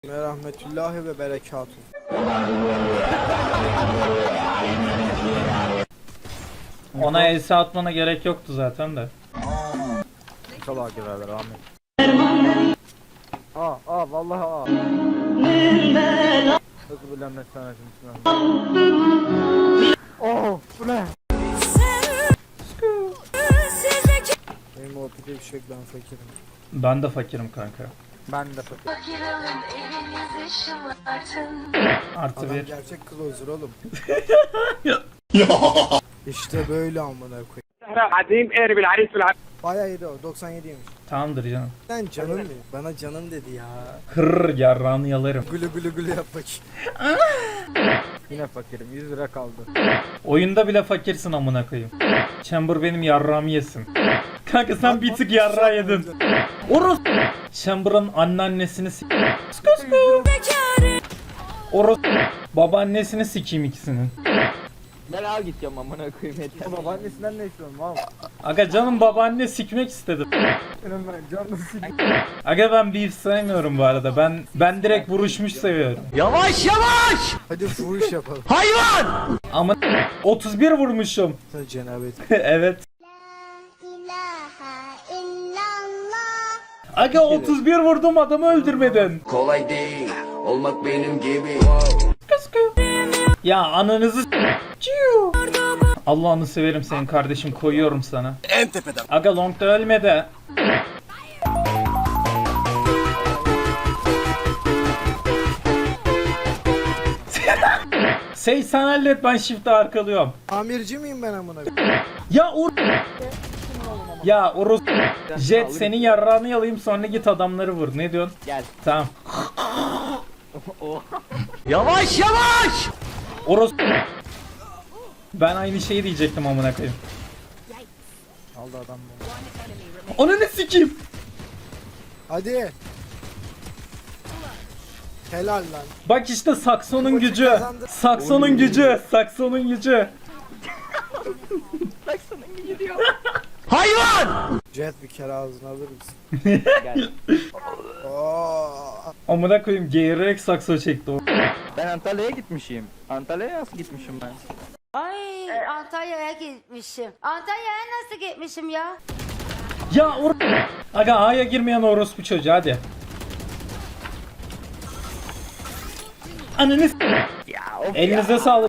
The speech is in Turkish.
Ve rahmetullahi ve berekatuhu. Ona elsi atmana gerek yoktu zaten de. Çalar girerler Ahmet. Vallahi Hızlı bilenmek sanatım bu ne? Benim ortada bir şey yok, ben fakirim. Ben de fakirim kanka. Ben de fakirim. Artı Adam bir. gerçek closer oğlum. İşte böyle amına koyayım. عظيم قارب العريس بالعريس. Bayağı iyiydi o, 97'ymiş. Tamamdır canım. Sen canım benim. Bana canım dedi ya. Hırr yarrağını yalarım. Gülü gülü gülü yap bakayım. Yine fakirim, 100 lira kaldı. Oyunda bile fakirsin amına koyayım. Chamber benim yarrağımı yesin. Kanka sen bir tık yarrağı yedin. Oros. Chamber'ın anneannesini Oros. Babaannesini sikeyim ikisinin. Ben al gideceğim amına koyayım yeter. Babaannesinden ne istiyorum abi? Aga canım babaanne sikmek istedim. Benim ben canım sikeyim. Aga ben beef sevmiyorum bu arada. Ben direkt vuruşmuş seviyorum. Yavaş yavaş! Hadi fuhuş yapalım. Hayvan! Ama 31 vurmuşum. Hadi cenabet. Evet. Aga 31 vurdum, adamı öldürmedin. Kolay değil olmak benim gibi. Kıskı. Ya ananızı Ciu. Allah'ını severim senin kardeşim, koyuyorum sana. En tepeden. Aga longda ölme de. Sey sen hallet, ben shift'e arkalıyorum. Amirci miyim ben amına? Ya Ya Urus Jet senin yarrağını yalayayım, sonra git adamları vur. Ne diyorsun? Gel. Tamam. Yavaş yavaş! Urus. Ben aynı şeyi diyecektim amına koyayım. Aldı adam bunu. Onu ne sikeyim? Hadi. Helal lan. Bak işte Sakson'un Maçı gücü. kazandı. Sakson'un gücü. Sakson'un gücü. Hayvan! Jet bir kere ağzına alır mısın? Gel. Oo. Amına koyayım, geğirerek sakso çekti o. Ben Antalya'ya gitmişim. Antalya'ya nasıl gitmişim ben? Ay Antalya'ya gitmişim. Antalya'ya nasıl gitmişim ya? Ya Aga A'ya girmeyen orospu çocuğu, hadi. Ananı Ya of elinize sağlık.